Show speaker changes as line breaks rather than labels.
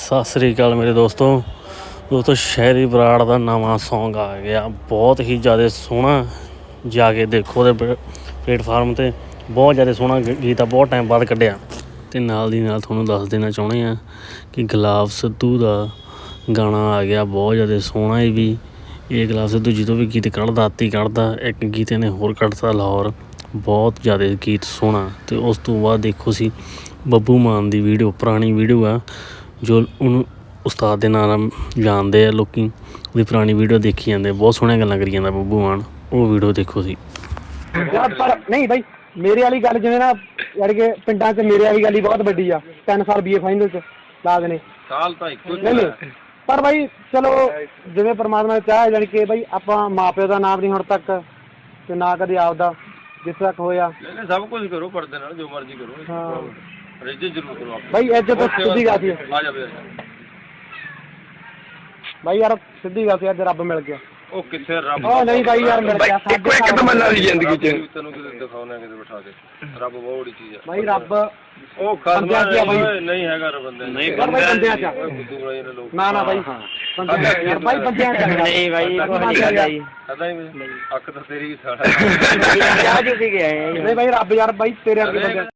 ਸਤਿ ਸ੍ਰੀ ਅਕਾਲ ਮੇਰੇ ਦੋਸਤੋ ਸ਼ਹਿਰੀ ਬਰਾੜ ਦਾ ਨਵਾਂ ਸੌਂਗ ਆ ਗਿਆ। ਬਹੁਤ ਹੀ ਜ਼ਿਆਦਾ ਸੋਹਣਾ, ਜਾ ਕੇ ਦੇਖੋ ਉਹਦੇ ਪਲੇਟਫਾਰਮ 'ਤੇ। ਬਹੁਤ ਜ਼ਿਆਦਾ ਸੋਹਣਾ ਗੀਤ ਆ, ਬਹੁਤ ਟਾਈਮ ਬਾਅਦ ਕੱਢਿਆ। ਅਤੇ ਨਾਲ ਦੀ ਨਾਲ ਤੁਹਾਨੂੰ ਦੱਸ ਦੇਣਾ ਚਾਹੁੰਦੇ ਹਾਂ ਕਿ ਗੁਲਾਬ ਸਿੱਧੂ ਦਾ ਗਾਣਾ ਆ ਗਿਆ, ਬਹੁਤ ਜ਼ਿਆਦਾ ਸੋਹਣਾ ਇਹ ਵੀ। ਇਹ ਗੁਲਾਬ ਸਿੱਧੂ ਜਦੋਂ ਵੀ ਗੀਤ ਕੱਢਦਾ ਆਤੀ ਕੱਢਦਾ। ਇੱਕ ਗੀਤ ਇਹਨੇ ਹੋਰ ਕੱਢਤਾ ਲਾਹੌਰ, ਬਹੁਤ ਜ਼ਿਆਦਾ ਗੀਤ ਸੋਹਣਾ। ਅਤੇ ਉਸ ਤੋਂ ਬਾਅਦ ਦੇਖੋ ਸੀ ਬੱਬੂ ਮਾਨ ਦੀ ਵੀਡੀਓ, ਪੁਰਾਣੀ ਵੀਡੀਓ ਆ ਜੋ ਉਹਨੂੰ ਉਸਤਾਦ ਦੇ ਨਾਂ ਨਾਲ ਜਾਣਦੇ ਆ ਲੋਕ। ਉਹਦੀ ਪੁਰਾਣੀ ਵੀਡੀਓ ਦੇਖੀ ਜਾਂਦੇ, ਬਹੁਤ ਸੋਹਣੀਆਂ ਗੱਲਾਂ ਕਰੀ ਜਾਂਦਾ ਬੱਬੂ ਮਾਨ। ਉਹ ਵੀਡੀਓ ਦੇਖੋ ਸੀ।
ਪਰ ਨਹੀਂ ਬਾਈ, ਮੇਰੇ ਵਾਲੀ ਗੱਲ ਜਿਵੇਂ ਨਾ ਯਾਨੀ ਕਿ ਪਿੰਡਾਂ 'ਚ ਮੇਰੇ ਵਾਲੀ ਗੱਲ ਹੀ ਬਹੁਤ ਵੱਡੀ ਆ। 3 ਸਾਲ BA ਫਾਈਨਲ 'ਚ ਲਾ ਦੇਣੇ ਸਾਲ ਤਾਂ ਇੱਕੋ ਨਹੀਂ। ਪਰ ਬਾਈ ਚਲੋ ਜਿਵੇਂ ਪਰਮਾਤਮਾ ਨੇ ਚਾਹਿਆ, ਯਾਨੀ ਕਿ ਬਾਈ ਆਪਾਂ ਮਾਂ ਪਿਓ ਦਾ ਨਾਮ ਨਹੀਂ ਹੁਣ ਤੱਕ ਤੇ ਨਾ ਕਦੇ ਆਪਦਾ ਜਿੱਥੇ ਤੱਕ ਹੋਇਆ।
ਸਭ ਕੁਝ ਕਰੋ ਪਰਦੇ ਨਾਲ, ਜੋ ਮਰਜ਼ੀ ਕਰੋ।
ਹਾਂ
ਇੱਜ਼ਤ ਜ਼ਰੂਰ ਕਰੋ
ਬਾਈ, ਇੱਜ਼ਤ ਸਿੱਧੀ ਗੱਲ ਸੀ।
ਆ ਜਾਵੇ
ਬਾਈ ਯਾਰ ਸਿੱਧੀ ਗੱਲ ਸੀ, ਅੱਜ ਰੱਬ ਮਿਲ ਗਿਆ।
ਉਹ ਕਿੱਥੇ ਰੱਬ?
ਉਹ ਨਹੀਂ ਬਾਈ ਯਾਰ ਮਿਲ ਗਿਆ।
ਇੱਕੋ ਇੱਕ ਤਮੰਨਾ ਦੀ ਜ਼ਿੰਦਗੀ 'ਚ ਤੈਨੂੰ ਕਿਤੇ ਦਿਖਾਉਣਾ, ਕਿਤੇ ਬਿਠਾ ਕੇ। ਰੱਬ ਬਹੁਤ ਬੜੀ ਚੀਜ਼ ਆ
ਬਾਈ। ਰੱਬ
ਉਹ ਖਾਸਮਾ ਨਹੀਂ ਹੈਗਾ, ਬੰਦੇ ਨਹੀਂ
ਬੰਦਿਆਂ 'ਚ ਨਾ ਨਾ ਬਾਈ, ਬੰਦਿਆਂ ਬਾਈ, ਬੰਦਿਆਂ 'ਚ ਨਹੀਂ ਬਾਈ।
ਪਤਾ ਹੀ ਅੱਖ ਤਾਂ ਤੇਰੀ ਵੀ ਸਾੜਾ
ਨਹੀਂ ਬਾਈ, ਰੱਬ ਯਾਰ ਬਾਈ ਤੇਰੇ ਅੱਗੇ ਬੰਦਿਆਂ